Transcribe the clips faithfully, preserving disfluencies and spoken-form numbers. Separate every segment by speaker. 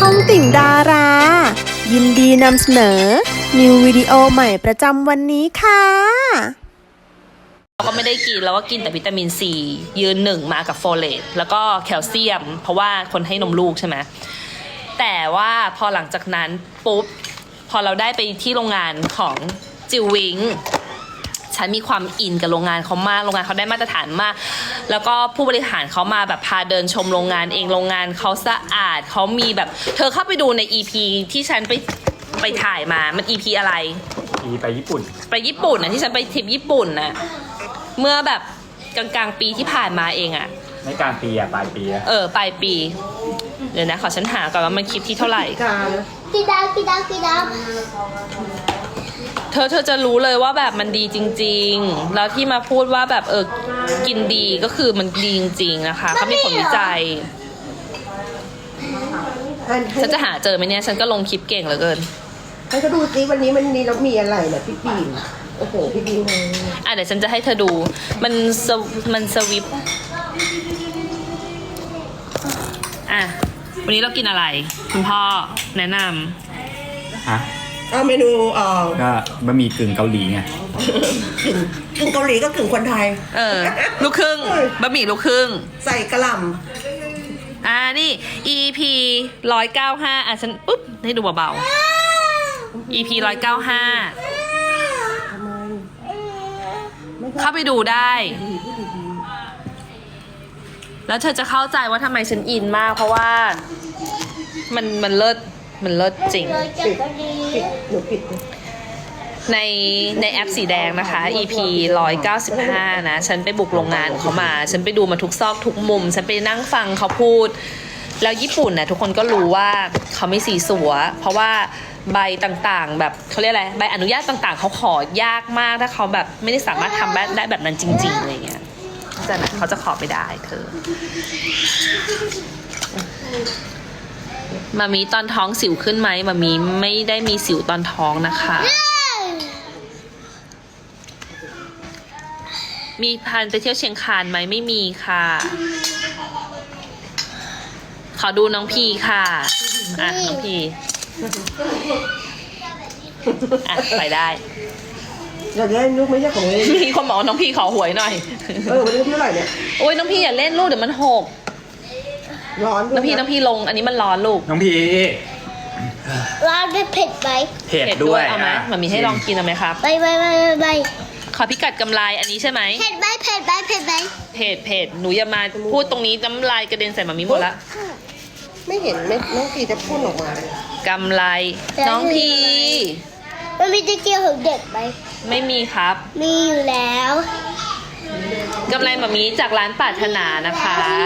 Speaker 1: องติ่งดารา ยินดีนำเสนอ นิววิดีโอใหม่ประจำวันนี้ค่ะ
Speaker 2: เราก็ไม่ได้กินเราก็กินแต่วิตามินซียืนหนึ่งมากับโฟเลตแล้วก็แคลเซียม เพราะว่าคนให้นมลูกใช่ไหมแต่ว่าพอหลังจากนั้นปุ๊บพอเราได้ไปที่โรงงานของจิววิงฉันมีความอินกับโรงงานเขามากโรงงานเขาได้มาตรฐานมากแล้วก็ผู้บริหารเขามาแบบพาเดินชมโรงงานเองโรงงานเขาสะอาดเขามีแบบเธอเข้าไปดูใน อี พี ที่ฉันไปไปถ่ายมามัน อี พี อะไร
Speaker 3: อีไปญี่ปุ่น
Speaker 2: ไปญี่ปุ่นนะที่ฉันไปทริปญี่ปุ่นนะเมื่อแบบกลางๆปีที่ผ่านมาเองอะ
Speaker 3: ไม่กลางปีอะปลายปีอะ
Speaker 2: เออปลายปีเดี๋ยวนะขอฉันหาก่อนว่ามันคลิปที่เท่าไหร่
Speaker 4: กีดากีดากีดา
Speaker 2: เธอเธอจะรู้เลยว่าแบบมันดีจริงๆแล้วที่มาพูดว่าแบบเออกินดีก็คือมันดีจริงๆนะคะเขามีผลวิจัยฉันจะหาเจอไหมเนี่ยฉันก็ลงคลิปเก่งเหลือเกิน
Speaker 5: ให้เขาดูซิวันนี้มันมีแล้วมีอะไรเนี่ยพี่ปีนโอ้โหพี่ปีนเลย
Speaker 2: อ่ะเดี๋ยวฉันจะให้เธอดูมันสวมันสวิปอ่ะวันนี้เรากินอะไรคุณพ่อแนะน
Speaker 3: ฮะ
Speaker 5: เอาเมนูเอ่อ
Speaker 3: ก็บะหมี่กึ่งเกาหลีไง
Speaker 5: กึ่งกึ่งเกาหลีก็กึ่งคนไทย
Speaker 2: ำเออลูกครึ่งบะหมี่ลูกครึ่ง
Speaker 5: ใส่กระหล่
Speaker 2: อ่านี่ อี พี ร้อยเก้าห้าอ่ะฉันปุ๊บให้ดูเบาๆ อี พี ร้อยเก้าห้าเข้าไปดูได้ แล้วเธอจะเข้าใจว่าทำไมฉันอินมากเพราะว่ามันมันเลิศมันเลิศจริง
Speaker 4: เลยจับดี
Speaker 5: ำปิดหนูปิดเลย
Speaker 2: ในในแอปสีแดงนะคะ อี พี ร้อยเก้าสิบห้านะ ฉันไปบุกโรงงานเขามา ฉันไปดูมาทุกซอกทุกมุม ฉันไปนั่งฟังเขาพูด แล้วญี่ปุ่นนะทุกคนก็รู้ว่าเขาไม่สีสัว เพราะว่าใบต่างๆ แบบเขาเรียกอะไร ใบอนุญาตต่างๆ เขาขอยากมาก ถ้าเขาแบบไม่ได้สามารถทำได้แบบนั้นจริงๆอะไรเงี้ยแต่นะเขาจะขอไม่ได้เธอ มามีตอนท้องสิวขึ้นไหมมามีไม่ได้มีสิวตอนท้องนะคะ มีพันไปเที่ยวเชียงคานไหมไม่มีค่ะ ขอดูน้องพีค่ะ อ่ะน้องพีอ่ะไปได้
Speaker 5: อยากได้ลูกไม่ใช่ของเล่น
Speaker 2: มีคนบอกว่าน้องพีขอหวยหน่อย
Speaker 5: เออวันนี้เท่าไหร่เนี่ย
Speaker 2: โอ้ยน้องพีอย่าเล่นลูกเดี๋ยวมันหก
Speaker 5: ร้อน
Speaker 2: น้องพีน้องพีลงอันนี้มันร้อนลูก
Speaker 3: น้องพี
Speaker 4: ร้านได้เผ็ดไหม
Speaker 3: เผ็ดด้วย
Speaker 2: เอาไหม
Speaker 3: อ่ะ
Speaker 2: มันมีให้ลองกินเอาไหมครับ
Speaker 4: ไปไปไปไป
Speaker 2: ขอพิกัดกำไรอันนี้ใช่ไหม
Speaker 4: เผ็ดไหมเผ็ดไหมเผ็ดไหม
Speaker 2: เพจเพจหนูอย่ามาพูดตรงนี้น้ำลายกระเด็นใส่มามีหมดละ
Speaker 5: ไม่เห็นไม่น้องปีจะพ่นออกมาเลย
Speaker 2: กำไรน้องพี
Speaker 4: มันมีตะเกียบของเด็กไหม
Speaker 2: ไม่มีครับ
Speaker 4: มีอยู่แล้ว
Speaker 2: กำไรมามีจากร้านปรารถนานะคะ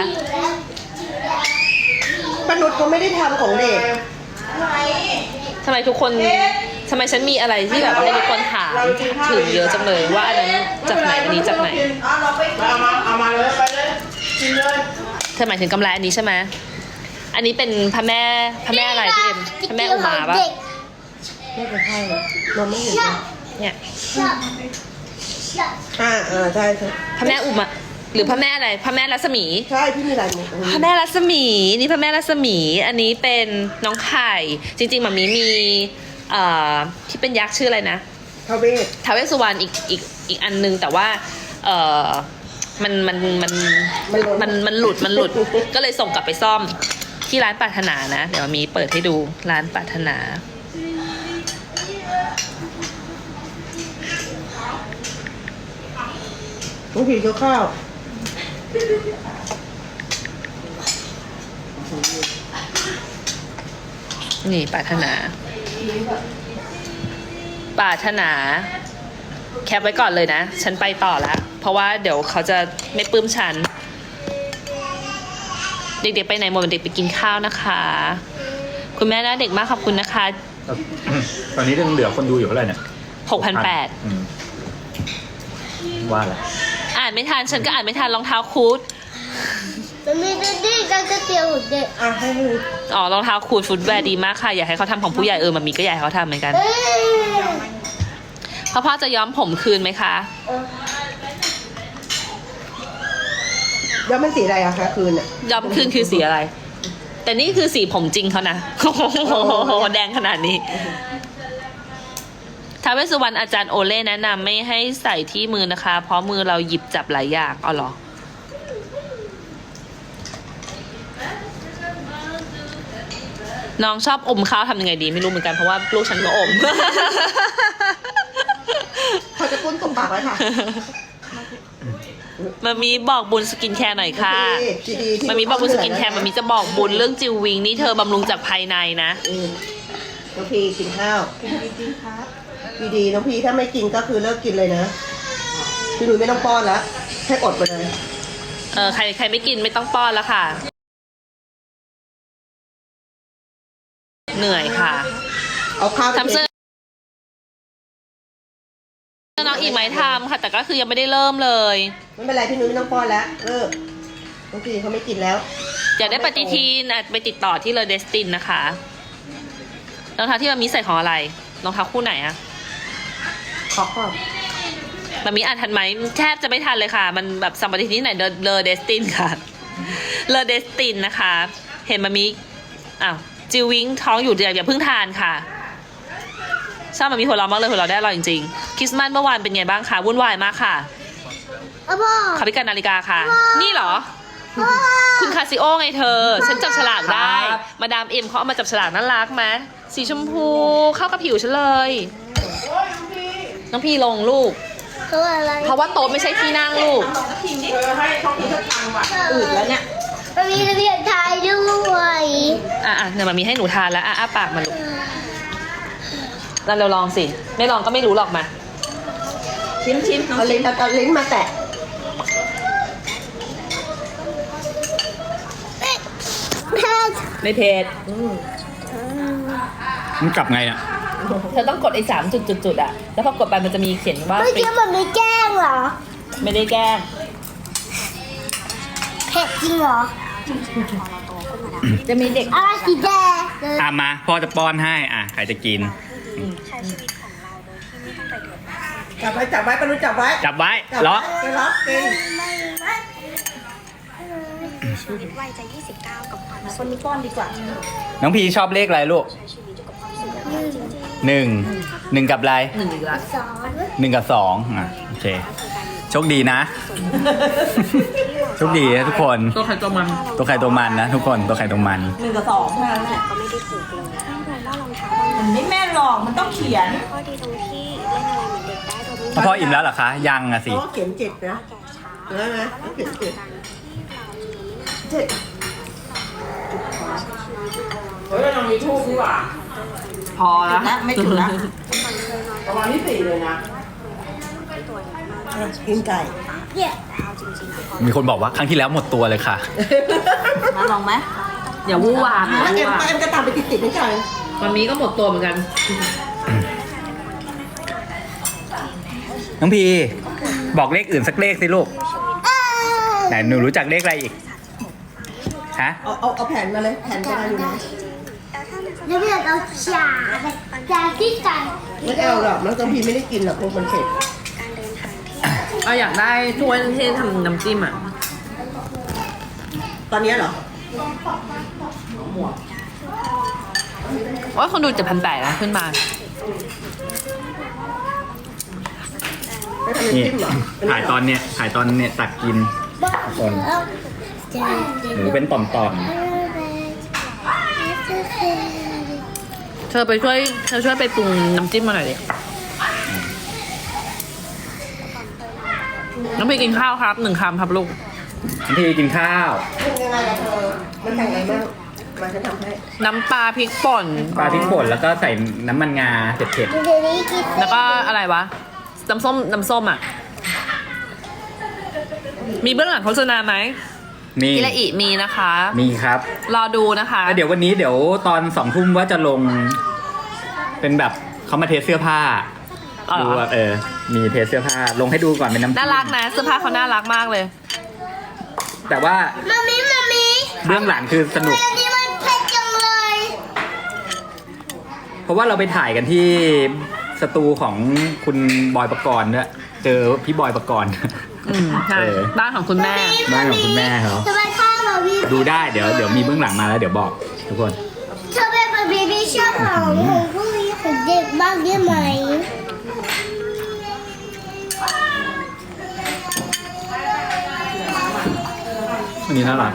Speaker 5: ป้านุชเขาไม่ได้ทำของเด็ก
Speaker 2: ทำไมทุกคนทำไมฉันมีอะไรที่แบบให้ทุกคนถามถึงเยอะจังเลยว่าอันนั้นจากไหนอันนี้จากไหน
Speaker 5: เอามาเอามาเลยไปเลยกินเลย
Speaker 2: เธอหมายถึงกำไรอันนี้ใช่ไหมอันนี้เป็นพระแม่พระแม่อะไรพี่เอ็มพระแม่อุมาปะ
Speaker 5: ไม่เป็นไรเราไม่เห็นเลย
Speaker 2: เนี่ย
Speaker 5: อ่าอ่าใช่ใช่
Speaker 2: พระแม่อุมาหรือพระแม่อะไรพระแม่รัศมี
Speaker 5: ใช่พี่มีลายมือ
Speaker 2: พระแม่รัศมีนี่พระแม่รัศมี อันนี้เป็นน้องไข่จริงๆหมามีมีเอ่อที่เป็นยักษ์ชื่ออะไรนะ
Speaker 5: ทาเวศ
Speaker 2: ท้าวเวสสุวรรณอีกอีกอีกอันนึงแต่ว่าเอ่อมันมันมันมันมันหลุดมันหลุด ก็เลยส่งกลับไปซ่อมที่ร้านปรารถนานะเดี๋ยวมีเปิดให้ดูร้านปรารถนา
Speaker 5: น้องผีเกี่ยวข้าว
Speaker 2: นี่ปรารถนาปรารถนา แคปไว้ก่อนเลยนะ ฉันไปต่อแล้ว เพราะว่าเดี๋ยวเขาจะไม่ปลื้มฉัน เด็กๆไปไหนหมดเด็กไปกินข้าวนะคะ คุณแม่น่าเด็กมากขอบคุณนะคะ
Speaker 3: ตอนนี้ยังเหลือคนดูอยู่เท่าไหร่เนี่ย
Speaker 2: หกพันแปด
Speaker 3: อืมว่าแหละ
Speaker 2: อ่านไม่ทัน ฉันก็อ่านไม่ทันรองเท้าคูด
Speaker 4: มันมีตะเกียบกับตะเกียบของเด็ก
Speaker 5: อ่ะให้ดู
Speaker 2: อ๋อรองเท้าคูดฟุตแวร์ดีมากค่ะ อยากให้เขาทำของผู้ใหญ่เออมันมีก็อยากให้เขาทำเหมือนกัน
Speaker 4: เอ้ย
Speaker 2: พ่อพ่อจะย้อมผมคืนไหมคะ
Speaker 5: แล้วมันสีอะไรอะคะคืนอะ
Speaker 2: ย้อมคืนคือสีอะไรแต่นี่คือสีผมจริงเขานะ โอ้โหแดงขนาดนี้ท้าวเวสสุวรรณอาจารย์โอเล่แนะนำไม่ให้ใส่ที่มือนะคะ เพราะมือเราหยิบจับหลายอย่างอ๋อเหรอ น้องชอบอมข้าวทำยังไงดีไม่รู้เหมือนกันเพราะว่าลูกฉันก็อม
Speaker 5: เขาจะกุ้นตรงปากไว้ค่ะ
Speaker 2: มามีบอกบุญสกินแคร์หน่อยค่ะ
Speaker 5: ดีดีที่
Speaker 2: มามีบอกบุญสกินแคร์มามีจะบอกบุญเรื่องจิววิงนี่เธอบำรุงจากภายในนะ
Speaker 5: อืมน้องพีกินข้าวกินครับดีๆน้องพีถ้าไม่กินก็คือเลิกกินเลยนะพี่หนุ่ยไม่ต้องป้อนแล้วแค่อดไปเลย
Speaker 2: เออใครใครไม่กินไม่ต้องป้อนแล้วค่ะ เหนื่อยค่ะ
Speaker 5: เอาข้าวไป
Speaker 2: ทำเสื้อน้องอีกไหมทำค่ะ แต่ก็คือยังไม่ได้เริ่มเลย
Speaker 5: ไม่เป็นไรพี่หนุ่ยไม่ต้องป้อนแล้วเลิกน้องพีเขาไม่กินแล้ว
Speaker 2: อยากได้ปฏิทินอ่ะไปติดต่อที่เลอเดสตินนะคะรองเท้าที่มันมีใส่ของอะไรรองเท้าคู่ไหนอะ
Speaker 5: ขอก่อน
Speaker 2: มันมีอ่านทันไหมแทบจะไม่ทันเลยค่ะ มันแบบสัมปทินที่ไหนเลอเดสตินค่ะเลอเดสตินนะคะ เห็นมันมีอ้าวจิววิงท้องอยู่เดี๋ยวอย่าเพิ่งทานค่ะชอบมันมีหัวเราะมากเลยหัวเราะได้อร่อยจริงๆคริสต์มาสเมื่อวานเป็นไงบ้างคะวุ่นวายมากค่ะ
Speaker 4: อะพ่อ
Speaker 2: เขาพิการนาฬิกาค่ะ นี่เหรอ คุณคาซิโอไงเธอ ฉันจับฉลากได้ มาดามเอ็มเขาเอามาจับฉลากน่ารักไหมสีชมพูเข้ากับผิวฉันเลย น้องพี่ลงลูก
Speaker 4: เขาอะไร
Speaker 2: เพราะว่าโต๊ะไม่ใช่ที่นั่งลูก
Speaker 5: อืดแล้วเนี่ย
Speaker 4: มันมีระเบียบไทยด้วย
Speaker 2: อ่ะอ่ะเดี๋ยวมามีให้หนูทานแล้ว อ่ะอ้าปากมาลูกเราเราลองสิ ไม่ลองก็ไม่รู้หรอกมา
Speaker 5: ชิมชิมเอาลิ้นเอาลิ้นมาแตะ
Speaker 4: แพทย์
Speaker 2: ไม่เผ็ด
Speaker 3: มันกลับไงเนี่ย
Speaker 2: เธอต้องกดไอ้สามจุดจุดจุดอ่ะ แล้วพอกดไปมันจะมีเขียนว่า
Speaker 4: เมื่อกี้มันไม่แกล้งเหรอ
Speaker 2: ไม่ได้แกล้ง
Speaker 4: เผ็ดจริงเหรอ
Speaker 2: จะมีเด็ก
Speaker 4: อะไรสีแดง
Speaker 3: อ่ะมาพ่อจะป้อนให้อ่ะใครจะกิน
Speaker 5: จับไว้จับไว้ปนุจับไว้
Speaker 3: จับไว้
Speaker 5: จับ
Speaker 3: ล็อก
Speaker 5: ไปล็อกกิน
Speaker 6: ชีวิตวัยจะยี่สิบเก้ากับความคนนี้ป้อนดีกว่า
Speaker 3: น้องพีชอบเลขอะไรลูกหนึ่งหนึ่งกับอะไร
Speaker 2: หนึ่งอีกละ
Speaker 4: สอง
Speaker 3: หนึ่งกับสองอ่ะโอเคโชคดีนะ โชคดีนะทุกคน
Speaker 2: ตัวใครตัวมัน
Speaker 3: ตัวใครตัวมันนะทุกคนตัวใครตัวมัน
Speaker 5: หนึ่งกับสองเท่านั้นแหละ
Speaker 6: ก็ไม่ได้ถูกเลยต้องโดนว่ารองเท้าบาง
Speaker 5: มันไม่แม่นหรอกมันต้องเขียน
Speaker 6: ข้อดีตรงที่เล่นอะไรเหมือนเด็กได้โดยไม่
Speaker 3: พ่ออิ่มแล้วเหรอคะ ยังอะ
Speaker 5: เพ
Speaker 3: สิ
Speaker 5: ราะว่าเขียนเจ็ดนะ
Speaker 6: แก่ช้า
Speaker 5: ได้ไหมต้องเขียนเจ็ดเจ็ดเฮ้ยเรามีทูบดีกว่า
Speaker 2: พอแล้ว
Speaker 5: นะไม่ถึงนะประมาณที่สี่เลยนะกินไก่
Speaker 4: เนี่ย
Speaker 3: มีคนบอกว่าครั้งที่แล้วหมดตัวเลยค่ะ
Speaker 2: มาลองไหมอย่าวู่วามอย่า
Speaker 5: แล้ว
Speaker 2: วู่
Speaker 5: เอ็ม
Speaker 2: วาม
Speaker 5: เอ็มก็ตามไปติดติดๆไม่ใช่
Speaker 2: วันนี้ก็หมดตัวเหมือนกัน
Speaker 3: น้องพีบอกเลขอื่นสักเลขสิลูกไหนหนูรู้จักเลขอะไรอีกฮะ
Speaker 5: เอาเอาเอาแผ่นมาเลยแผ่นจะได้อยู่ไหน
Speaker 4: ระเบียบเอาจ่าจ่าที่กัน
Speaker 5: ไม่เอาหรอกน้องกัมพีไม่ได้กินหรอกพวกมันเผ็ด
Speaker 6: การเดินทางที่
Speaker 2: เอาอยากได้ถ้วยที่ทำน้ำจิ้มอ่ะ
Speaker 5: ตอนนี้เหรอ
Speaker 2: ว่าคนดูเจ็ดพันแปดนะขึ้นมา
Speaker 5: ไม่ทำน้ำ
Speaker 3: นี่
Speaker 5: จิ้มเหรอ
Speaker 3: ถ่ายตอนเนี้ยถ่ายตอนเนี้ยตักกิน คน
Speaker 4: จ่า
Speaker 3: หนูเป็นต่อม
Speaker 2: เธอไปช่วยเธอช่วยไปปรุงน้ำจิ้มมาหน่อยดิน้องพี่กินข้าวครับหนึ่งคำครับลูก
Speaker 3: ๆน้องพีกินข้าว
Speaker 5: เป็นยังไงล่ะเธอมันแต่งอะไรบ้างมาฉันทำให้
Speaker 2: น้ำปลาพริกป่น
Speaker 3: ปลาพริกป่นแล้วก็ใส่น้ำมันงาเผ็ด
Speaker 4: เดี๋ยวนี้กิน
Speaker 2: แล้วก็อะไรวะ น้ำส้มน้ำส้มอ่ะ มีเบื้องหลังโฆษณาไหม
Speaker 3: ๆมี
Speaker 2: อิระอิมีนะคะ
Speaker 3: มีครับ
Speaker 2: รอดูนะคะ
Speaker 3: แล้วเดี๋ยววันนี้เดี๋ยวตอนสองทุ่มว่าจะลง เป็นแบบเขามาเทสเสื้อผ้า
Speaker 2: อ๋อเหรอ
Speaker 3: ดูว่าเออ มีเทสเสื้อผ้า ลงให้ดูก่อนเป็นน้ำ
Speaker 2: น่ารักนะเสื้อผ้าเขาน่ารักมากเลย
Speaker 3: แต่ว่า
Speaker 4: มามีมามี
Speaker 3: เบื้องหลังคือสนุก
Speaker 4: อันนี้มันเผ็ดจังเลย
Speaker 3: เพราะว่าเราไปถ่ายกันที่สตูของคุณบอยปกรณ์ด้วยเจอพี่บอยปกรณ์
Speaker 2: อืมใช่
Speaker 3: เออ
Speaker 2: บ้านของคุณแม่
Speaker 3: บ้านของคุณแม่เขา
Speaker 4: ทำไมข้าวบาร์บี้
Speaker 3: ดูได้เดี๋ยวเดี๋ยวมีเบื้องหลังมาแล้วเดี๋ยวบอกทุกคน
Speaker 4: ชอบเป็นบาร์บี้ที่ชอบของของผู้หญิงของเด็กมากได้ไหม
Speaker 3: วันนี้น่ารัก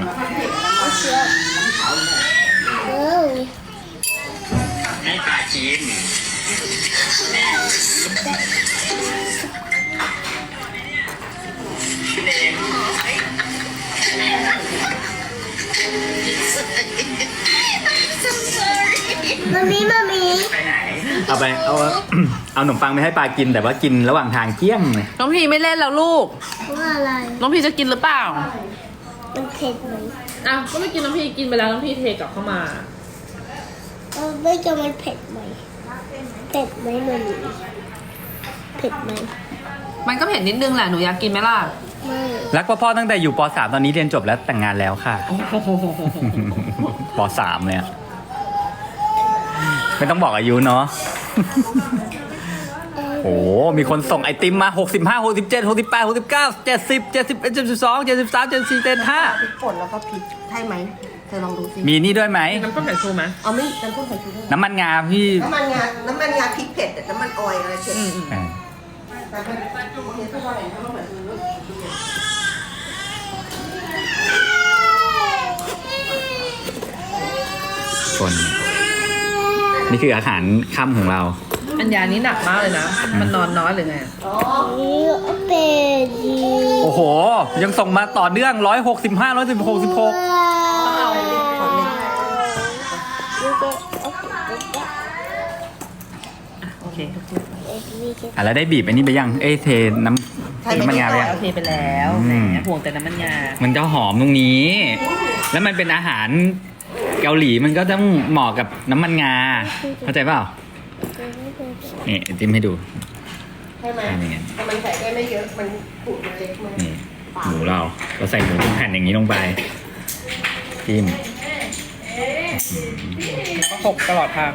Speaker 4: เออ
Speaker 3: ให้ปลากิน
Speaker 4: มามีมามี
Speaker 3: เอาไปเอา เอาขนมปังไปให้ปลากินแต่ว่ากินระหว่างทางเกี้ยมเลย
Speaker 2: น้องพีไม่เล่นแล้วลูก
Speaker 4: ว่าอะไร
Speaker 2: น้องพีจะกินหรือเปล่า
Speaker 4: มันเผ็ดไหม
Speaker 2: อ้าวก็ไม่กินน้องพีกินไปแล้วน้องพีเทกลับเข้ามา
Speaker 4: เออไม่จะมันเผ็ดไหมเผ็ดไหมมันเผ็ดไหม
Speaker 2: มันก็เผ็ดนิดนึงแหละหนูอยากกินไหมล่ะ
Speaker 4: ไม่
Speaker 3: รักพ่อพ่อตั้งแต่อยู่ป .สาม ตอนนี้เรียนจบแล้วแต่งงานแล้วค่ะ ป .สาม เลยอะไม่ต้องบอกอายุเนาะ โอ้มีคนส่งไอติมมาหกสิบห้า หกสิบเจ็ด หกสิบแปด หกสิบเก้า เจ็ดสิบ เจ็ดสิบเอ็ด เจ็ดสิบสอง เจ็ดสิบสาม เจ็ดสิบสี่ เจ็ดสิบห้า
Speaker 5: พริกป่นแล้วก็พริกใช่ไหมเธอลองดูสิ
Speaker 3: มีนี่ด้วยไหม
Speaker 2: น้ำต้มสายชูไหม
Speaker 5: เอาไม่น้ำข้นไข่ชูด้วย
Speaker 3: น้ำมันงาพี่
Speaker 5: น้ำมันงา น้ำมันงาพริกเผ็ดอะน้ำมันออยล์อะไรเผ็ด
Speaker 3: อ่า
Speaker 5: แต่เป็นโอเคทุกคนเห็นเขาเหมือนดู
Speaker 3: คนนี่คืออาหารค่ำของเรา
Speaker 2: อัญญานี้หนักมากเลยนะ มันนอนน้อยหรือไง
Speaker 4: นี่เป็ดดี
Speaker 3: โอ้โห ยังส่งมาต่อเนื่องร้อยหกสิบห้าร้อยสิบหกสิบหก
Speaker 2: โอเค
Speaker 3: อ่ะแล้วได้บีบอันนี้ไปยัง เอ้ยเทน้ำน้ำมันงาไปยัง
Speaker 2: โอเคไปแล้วแหมห่วงแต่น้ำมันงา
Speaker 3: มันจะหอมตรงนี้ แล้วมันเป็นอาหารเกาหลีมันก็ต้องเหมาะกับน้ำมันงา เข้าใจเปล่า นี่จิ้มให้ดู
Speaker 5: ใช่ไหม
Speaker 3: นี่ไง
Speaker 5: แต่มันใส่ได้ไม่เยอะ มันปูดมันเล็กมาก
Speaker 3: นี่หมูเรา เราใส่หมูเป็นแผ่นอย่างนี้ลงไป จิ้ม
Speaker 2: ก็หกตลอดทาง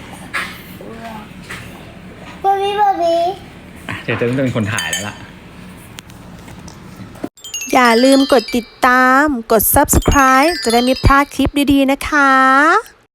Speaker 4: บาร์บี้บาร์บี้
Speaker 3: อ่ะเธอจะต้องเป็นคนถ่ายแล้วล่ะ
Speaker 1: อย่าลืมกดติดตาม กด ซับสไครบ์ จะได้ไม่พลาดคลิปดีๆนะคะ